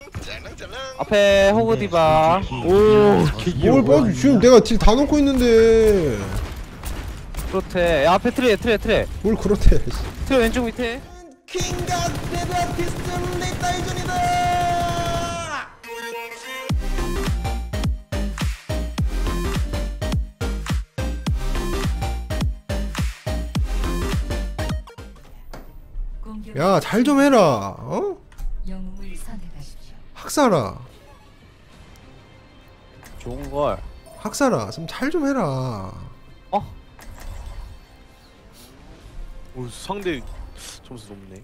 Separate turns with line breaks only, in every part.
앞에 호그 디바.
뭘 봐? 지금 내가 딜 다 넣고 있는데.
그렇대. 야, 앞에 트레.
뭘 그렇대.
트레 왼쪽 밑에.
킹갓 데드아티스트 레이타이전이다. 야, 잘 좀 해라. 어? 학살아.
좋은 걸.
학살아, 좀 잘 좀 해라.
오, 상대 점수 높네.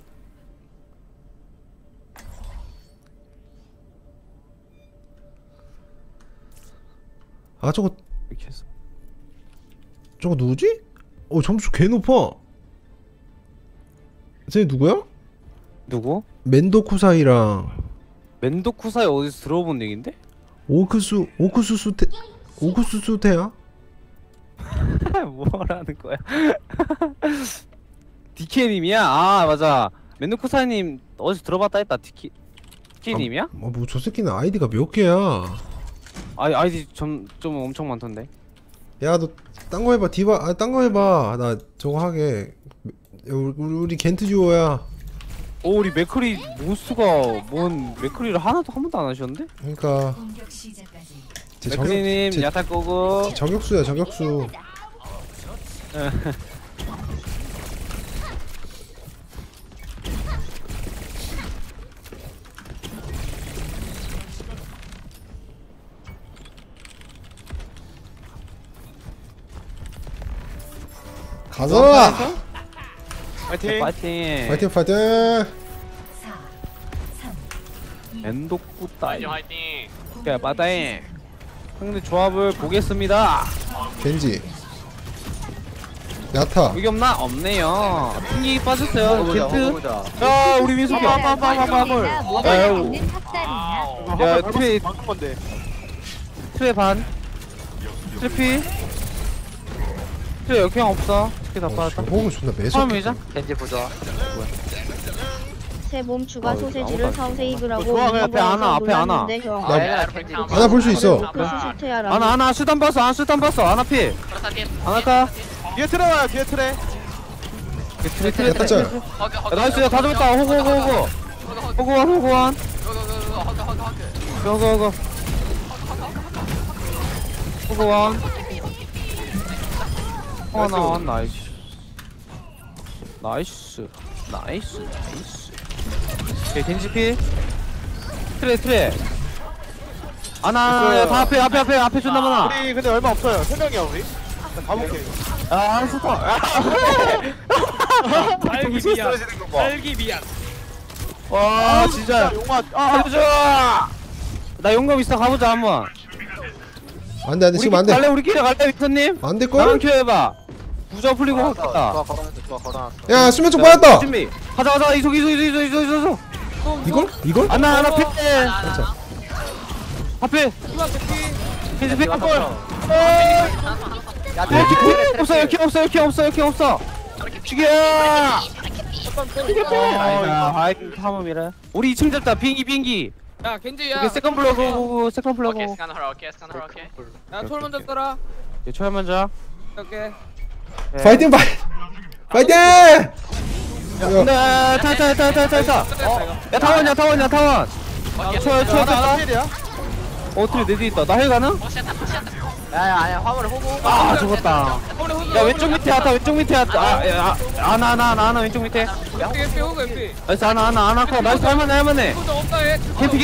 아, 저거
이렇게 해서.
저거 누구지? 점수 개 높아. 쟤 누구야?
누구?
멘도쿠사이랑
멘도쿠사이 어디서 들어본 얘긴데?
오쿠스수테야?
뭐라는 거야? DK님이야? 아 맞아. 멘도쿠사이님 어디서 들어봤다 했다. DK님이야?
뭐 저 새끼는 아이디가 몇 개야?
아이디 좀 엄청 많던데.
야, 너 딴 거 해봐. 디바, 딴 거 해봐. 나 저거 하게. 우리 겐트 듀오야.
우리 맥크리 몬스가 뭔 맥크리를 한 번도 안 하셨는데?
그러니까
맥크리님 야타 꼬고.
저격수야, 저격수. 가자!
파이팅!
파이팅!
파이팅, 파이팅!
엔도쿠 따이. 오케이, 빠따이. 상대 조합을 보겠습니다.
겐지. 야타.
여기 없나? 없네요. 튕기 빠졌어요. 겐트. 야, 우리 민수기. 빠빠빠빠빠물. 야, 트레
방금 건데.
트레 반. 트레피. 트레 역행 없어. 트레 다 빠졌다.
호흡은 존나 매섭게.
처음이자. 겐지 보자.
새 몸 추가 소세지를
아무것도
사오세이브라고
앞에 하나, 앞에 하나.
하나 볼 수 있어.
하나 수단 봤어. 하나 피. 하나 까.
뒤에 트레 와요, 뒤에 트레.
트레.
야타 짤.
나이스. 야, 다 잡았다. 호구. 호구원. 호구원. 하나 나이스. 오케이, 겐지피. 트레. 하나, 다 앞에 존나 많아.
우리 근데 얼마 없어요. 3명이야 우리. 가볼게.
딸기 미안. 와, 진짜.
용마.
가보자. 나 용감 있어. 가보자 한번.
안돼, 지금 안돼.
우리끼리 갈래, 빅터님?
안 될
나랑
걸?
켜해봐. 부자 풀리고
좋아,
갔다.
걸어놨어.
야, 수면 쪽 빠졌다.
준비. 가자. 이속.
이걸?
하나 피. 앞에. 겐지 피. 역행 없어. 죽여. 하이튼 탐험이라. 우리 2층 잡자. 비행기.
야 겐지야.
오케이, 세컨 플러그.
오케이 스카너 오케이. 야 톨 먼저 써라.
초야 먼저.
오케이.
파이팅!
네, 타. 야, 타원. 초야. 트리 내 뒤에 있다. 나 헬 가능?
아니야 화물을 호구.
아, 죽었다. 야, 왼쪽 밑에 하다. 하나 왼쪽 밑에.
MP 호구 MP.
나이스, 하나 커. 나이스, 할만해.
호구 없다 얘.
겐지.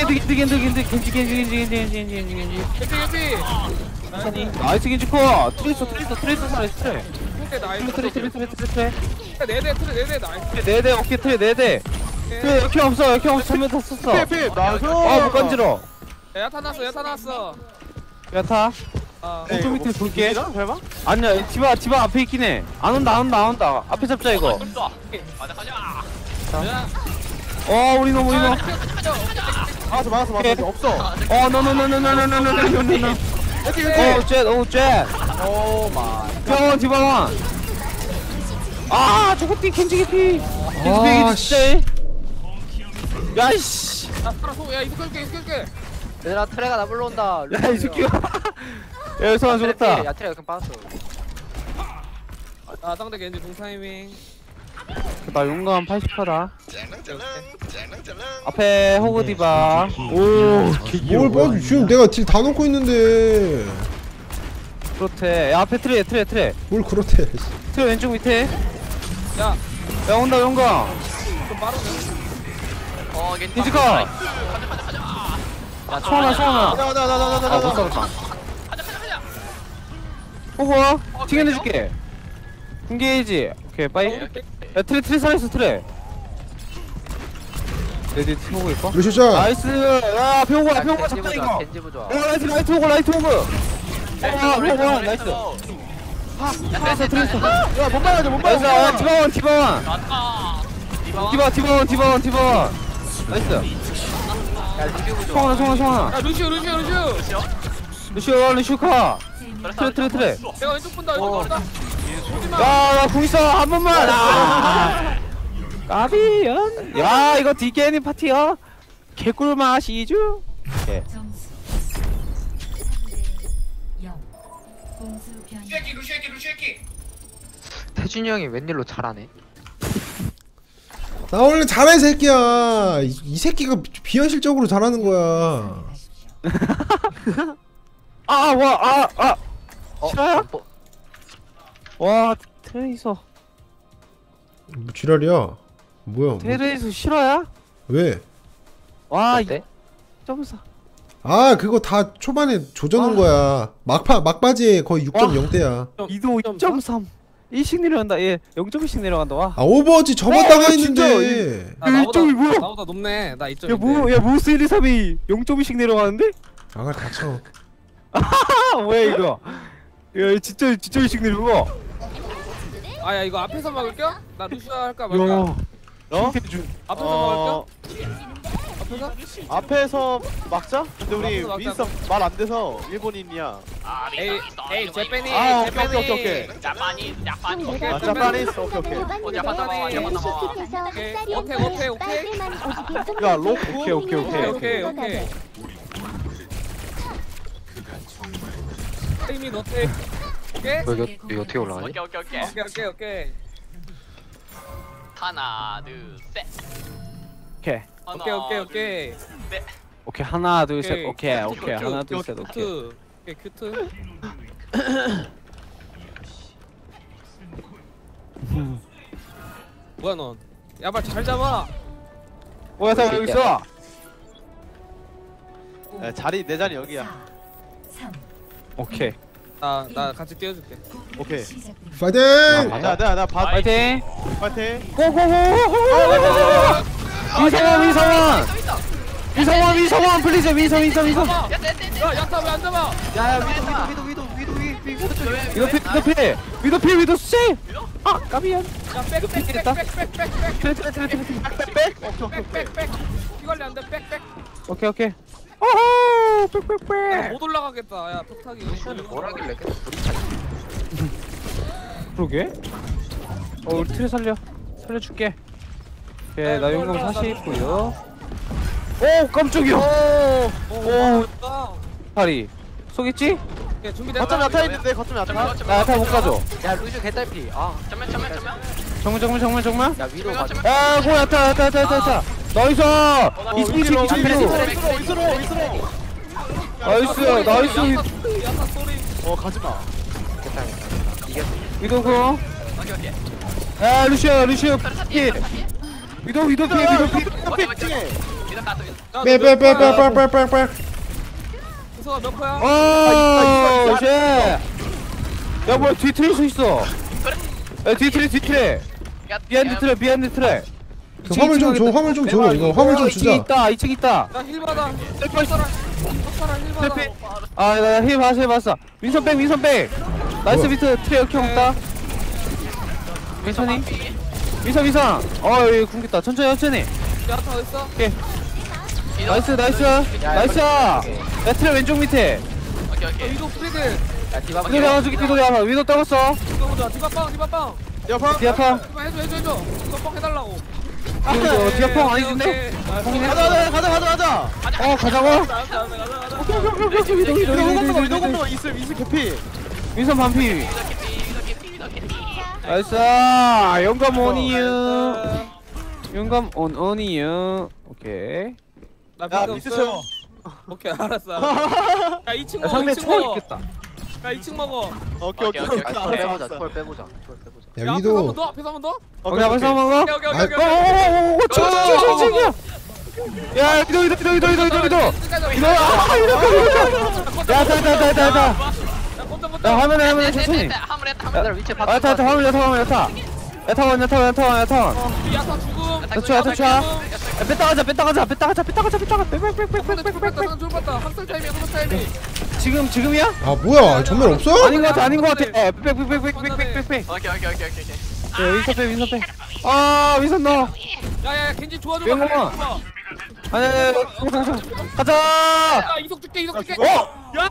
MP.
나이스, 겐지 커. 트레이서 나이스.
오케이 나이스.
트레.
네대 트레 나이스.
네대, 오케이, 트레 네대. 트레 역행 없어. 전면 다 썼어.
필. 나이스.
못 건지러.
야타 났어.
야타. 왼쪽 밑에 볼게.
설마?
아니야, 디바 앞에 있긴 해. 안 온다. 앞에 잡자 이거. 우리 너무.
막았어. 없어.
노. jet
오 마이.
병원 디바원. 저거 겐지 개피.
아,
진짜. 야이씨.
나 살아 야 이거 끌게
얘들아 트레가 나 불러온다.
야이 새끼가 야 성환 죽었다.
야 트레 그냥 빠졌어.
아 상대 겐지 동타이밍
나 용감 80%다. 앞에 호그 디바. 오
뭘 봐? 지금 내가 딜 다 넣고 있는데
그렇대. 야 앞에 트레
뭘 그렇대.
트레 왼쪽 밑에.
야
야 온다 용감.
좀 빠르네
디지컬.
야
성환아
나나나나나나.
아못 살았다. 호그 튕겨내줄게. 공개해지. 오케이 빠이. 야 트레 살아있어 트레. 레디 호그 있고.
루시자.
나이스. 야 앞에 호그 잡자 이거.
겐지 부좋아.
야 라이트 호그 라이트 호그. 호그 나이스. 트레스.
야못 막아줘 못
나이스.
막아줘.
디바원. 디바원. 나이스.
야 리뷰 부좋아.
성환아.
야 루시오
루시오 카. 트레.
내가 왼쪽 본다 왼쪽 본다
야, 궁 있어. 한 번만. 까비연. 야, 이거 디게니 파티야. 개꿀 맛이죠? 오케이.
점수 3대 0 공수 변경
태준이 형이 웬일로 잘하네.
나 원래 잘해 새끼야. 이 새끼가 비현실적으로 잘하는 거야.
싫어요?
뭐,
와, 트레이서.
뭐 지랄이야. 뭐야?
트레이서 싫어야?
왜?
와,
어때?
2.4.
아 그거 다 초반에 조져놓은 거야. 막바지에 거의 6.0대야.
이도 2.3. 1씩 내려간다. 얘 0.1씩 내려간다. 와.
아 오버워치 저번다가
진짜.
했는데.
나보다
이쪽이 뭐야?
나보다 높네 나 2점
야, 모스 1, 2, 3이 0.1씩 내려가는데?
아가 닥쳐.
뭐야 이거? 야, 진짜 1씩 내려가.
아야 이거 앞에서 막을게요? 나 루시오 할까 말까?
야.
어?
앞에서 막을게요? 앞에서?
앞에서 막자? 근데 우리
앞에서 막자.
윈스턴 말 안 돼서 일본인이야.
에이 제페니
아,
제페니
오케이.
자파니
아 자파니 있어. 오케이. 야 로쿠.
오케이.
이미 너테 오케이?
이거 어떻게 올라가지?
오케이
하나 둘셋
오케이. 오케이 하나 둘 셋. 오케이 하나 둘 셋. 오케이.
큐트 뭐야 넌 야발 잘 잡아
뭐야 다 여기 있어.
야, 자리 내 자리 여기야.
3
오케이.
나 같이 띄워줄게
오케이.
시작됩니다.
파이팅!
나 봐.
파이팅.
파이팅.
고고고. 위성원 플리즈 위성.
야 야타 왜 안 잡아
야야 위도.
위도 씨. 아 까비야.
야 빽빽빽빽빽빽
트레.
피관리 안돼 빽빽
오케이. 오호 빽빽빽.
못 올라가겠다 야 턱타기
뭐라길래 계속
그러게. 우리 트레 살려줄게. 오케이 나 용감 40고요. 오 깜짝이야. 오 파리 속였지?
준비됐다
거점 야타 있는데 거점 야타.
나 다 못 가져.
야 루시오 개딸피. 아.
정면
정말.
야 위로 가자.
야 고야 타. 나이스. 이스로. 나이스.
야타 소리
가지마.
위도고. 야 루시오 피. 위도 피.
빼.
수가 몇 퍼야?
오 쉣. 야 뭐야 뒤 트레이서 있어. 야 뒤 트레. 비하인드 트레.
그 화물 좀 줘. 이거 화물 좀 주자.
2층 있다.
나힐 받아 턱사라 힐 받아
나 봤어. 윈선 백. 나이스 비트 트레 이렇게 없다. 괜찮니? 위선. 여기 궁겠다. 천천히.
야타 어딨어?
나이스. 야 트레 왼쪽 밑에.
위도 프리드
야 디바.
위도 잡아줄게. 위도 떠봤어.
이거 보자 디바빵
야파.
디아파.
디바 해줘 디바빵 해달라고
이거 디아펑 아니던데?
가자.
가자고?
이동 있을 개피.
민선 반피. 나이스. 영감 온이유. 영감 온이유. 오케이.
야 미스 채워. 오케이 알았어. 야 2층 먹어.
상대
2층
초월
먹어.
있겠다.
야 2층 먹어.
오케이.
알았어.
빼보자.
야
야 앞에서
위도
한번 더. 앞에서 한번 더.
오케이, 벌써 먹어?
오케이 오케이
아이,
오케이. 오케이.
오, 야, 이도. 야, 다. 야, 화면에 천천히.
얘들아 위치 봐.
야타, 화면. 야타.
야타 죽음.
터쳐. 야, 뺐다 가자.
학살 타이밍.
지금이야?
아 뭐야 전면 없어?
아닌 것 같아. 빽.
오케이.
윈선 빼. 아, 윈선 넣어.
야야 겐지 도와줘.
영웅아. 아니, 가자.
야 이속 줄게. 야.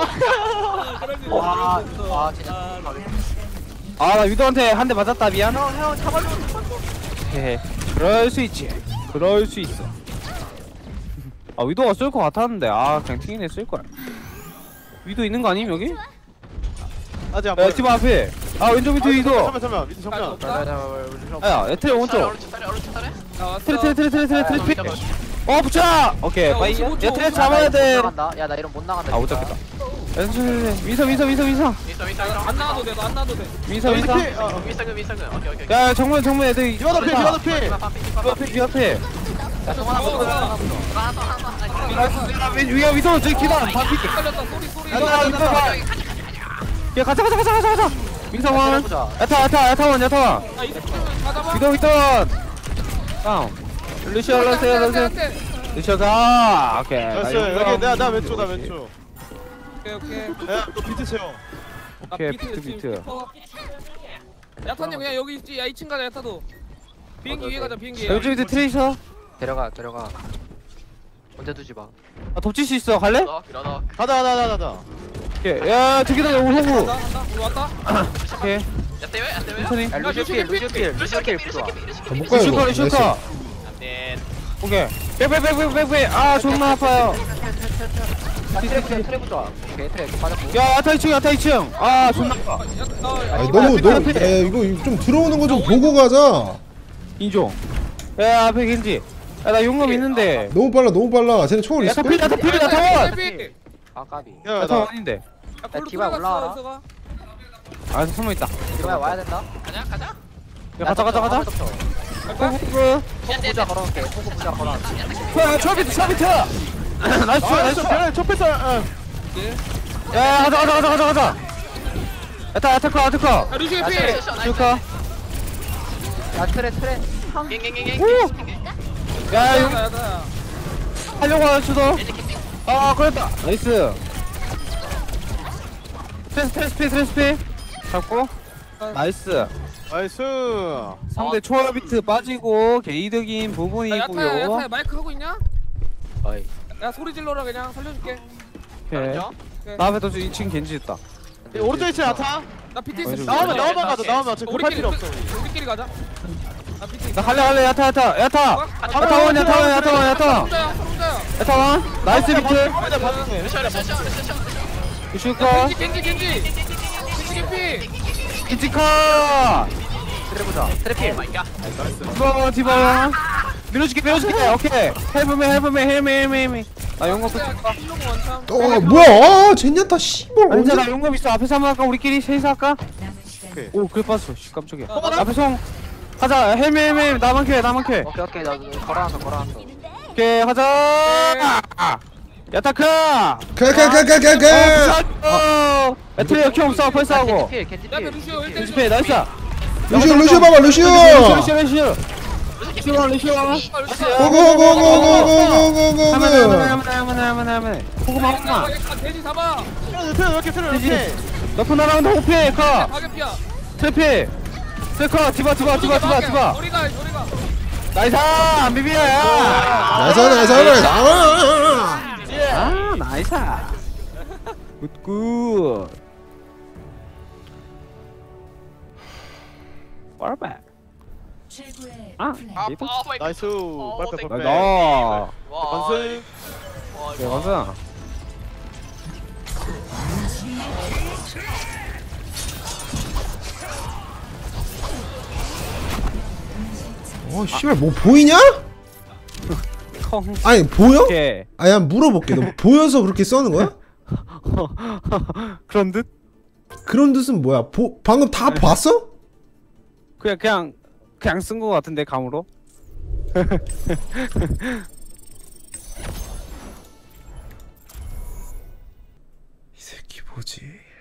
와 진짜.
아, 나 위도한테 한 대 맞았다. 미안. 형 잡아줘. 헤헤. 그럴 수 있어. 아, 위도가 쓸 것 같았는데. 아, 그냥 팅이네 쓸 거야. 위도 있는 거 아님 여기?
아직 안
야, 팀 앞에. 아, 왼쪽 밑에 위도.
잠깐만. 미드 정면.
야, 에트레 오른쪽. 트레. 붙여. 오케이.
야,
빠이.
55초.
야, 트레 잡아야 돼.
야 나 이런 못 나간다.
아, 못 잡겠다. 민서.
안 나와도 돼. 너 안 나와도 돼.
민서. 야, 정면 애들.
디바도 피.
위 앞에.
야 정하나 보자.
위에 위도 저기 기다. 바퀴.
걸렸다. 소리.
야, 가자. 민서원.
보자.
야타원.
야 이속 다 잡아.
위도. 다운. 루시오 러세요. 루시오가. 오케이.
여기 나 왼쪽.
오케이.
야너 비트 채워.
오케이, 비트.
야타님 그냥 여기 있지. 야 2층 가자. 야타도. 비행기 위에 가자. 비행기.
왼쪽 밑에 트레이서.
데려가. 언제 두지 마.
아, 덮칠 수 있어. 갈래?
가자.
오케이. 야, 저기다 오호구.
간다. 우리 왔다.
오케이. 천천히.
야 루시필 부좋아.
못 가요 이거
슈커. 오케이. 빽. 아, 존나 아파요.
트레 부좋아. 오케이 트레 빠졌고.
야, 야타 2층. 아, 존나 아파.
아니 너무 이거 좀 들어오는 거 좀 보고 가자.
인종. 야, 앞에 겐지. 야, 나 용감 있는데.
너무 빨라 쟤네 초월 있어?
야타 타원.
아 까비.
야타 원인데.
디바 올라와라.
아, 숨어 있다.
디바야 와야 된다.
야, 가자. 호구.
부자 걸어놓게. 호구 부자 걸어놓게.
야, 초비트. 나이스.
좁혔어.
야, 가자. 야타.
야 루시 피.
슈커.
야 트레.
야, 용
야타.
하려고 하는 수도. 아, 걸렸다. 나이스. 트레스피. 잡고. 나이스. 상대 초월 비트 빠지고 게이득인 부분이고요.
야타야 마이크 하고 있냐?
어이.
야 소리 질러라 그냥 살려줄게.
오케이. 나 앞에 또 2층 겐지 있다.
오른쪽 위치 나타.
나 BTS
어디,
나오면 가자. 나오면 어차피 급할 필요 없어.
우리끼리 가자. 나 BTS.
나 갈래. 야타. 야타원. 야타원. 나이스 비트. 슈커.
겐지
키치카.
트레 부자. 트레 필.
디바. 밀어줄게. 오케이. 헬프메. 나 용감 끝.
뭐야 젠야타 씨발
아니,
언제
나 용감 있어. 앞에서 한번 할까? 우리끼리 셋이서 할까?
남은 시간
오, 그래 빠졌어. 씨, 깜짝이야. 앞에 송. 가자. 헬메. 나만 켜.
오케이 나 걸어놨어.
오케이, 가자. 야타카.
가가가가가
애트리 역형 없어. 펄스하고.
겐지
야
필.
루시오 1대1
루시페 나이스.
루시오 봐봐 루시오 고고고고고고고고고
하면 호구마
돼지 잡아.
너프 날아온다. 호피 카
가격피야.
트래피 트래커 디바
우리가
나이스. 안 비비야.
나이스
아, 나이스. 굿. 빠르바.
최고의
아,
플레이.
이거?
나이스. 빨빨 빨빨.
나.
건승.
야, 맞아.
씨발 뭐 보이냐?
콩.
아니 보여?
오케이.
아야 물어볼게. 너 보여서 그렇게 써는 거야?
그런 듯?
그런 뜻은 뭐야? 방금 다 봤어?
그냥 쓴 거 같은데 감으로.
이 새끼 뭐지?